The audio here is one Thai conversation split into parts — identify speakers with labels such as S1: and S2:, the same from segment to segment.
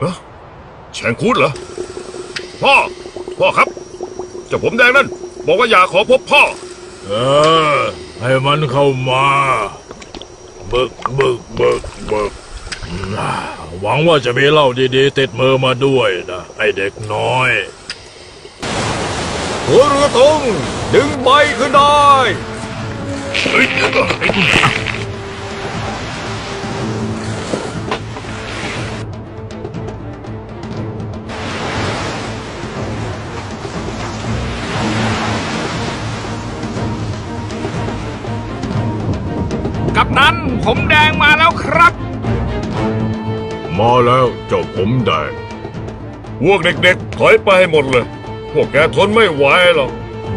S1: แชงคูดเหรอพ่อครับเจ้าผมแดงนั่นบอกว่าอยากขอพบพ่อ
S2: ให้มันเข้ามาบึกหวังว่าจะมีเหล้าดีๆติดมือมาด้วยนะไอเด็กน้อย
S3: หัวเรือตรงดึงใบขึ้นได้
S4: กับนั้นผมแดงมาแล้วครับ
S2: มาแล้วเจ้าผมแดง
S1: พวกเด็กๆถอยไปให้หมดเลยพวกแกทนไม่ไหวหรอก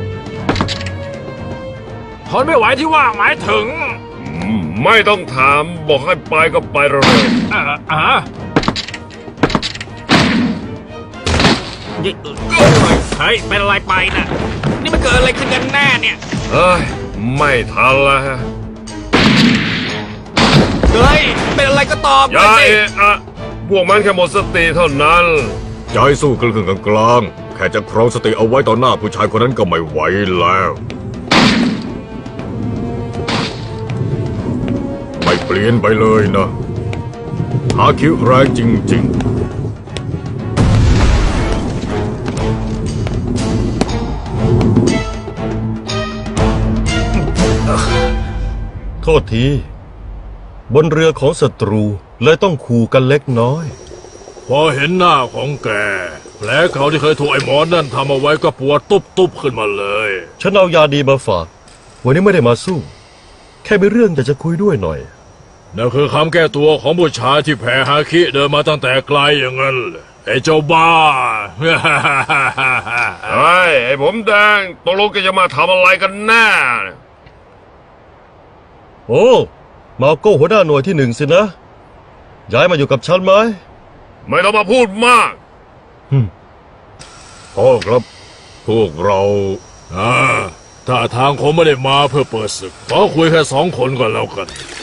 S4: ทนไม่ไหวที่ว่าหมายถึง
S1: ไม่ต้องถามบอกให้ไปก็ไปเลย
S4: เฮ้ยเป็นอะไรไปนะนี่มันเกิดอะไรขึ้นกันแน่เนี่ย
S1: ไม่ทันแล้ว
S4: เฮ้ยเป็นอะไรก็ตอบ
S1: อย่าพวกมันแค่หมดสติเท่านั้น
S2: ใจสู้กลึ่งกลางแค่จะครองสติเอาไว้ต่อหน้าผู้ชายคนนั้นก็ไม่ไหวแล้วไม่เปลี่ยนไปเลยนะหาคิวแรงจริง
S5: ๆโทษทีบนเรือของศัตรูเลยต้องขู่กันเล็กน้อย
S2: พอเห็นหน้าของแกแผลเขาที่เคยถูกไอ้หมอนั่นทำเอาไว้ก็ปวดตุบขึ้นมาเลย
S5: ฉันเอายาดีมาฝากวันนี้ไม่ได้มาสู้แค่มีเรื่องอยากจะคุยด้วยหน่อย
S2: นั่นคือคำแก้ตัวของผู้ชายที่แพ้ฮาคิเดินมาตั้งแต่ไกลอย่างนั้นไอ้เจ้าบ้า
S1: ไอ้ผมแดงตกลงแกจะมาทำอะไรกันแน่
S5: โอ้มาโก้หัวหน้าหน่วยที่1สินะย้ายมาอยู่กับฉันไหม
S1: ไม่ต้องมาพูดมาก
S2: พ่อครับพวกเราถ้าทางคงไม่ได้มาเพื่อเปิดศึกขอคุยแค่2 คนก่อนแล้วกัน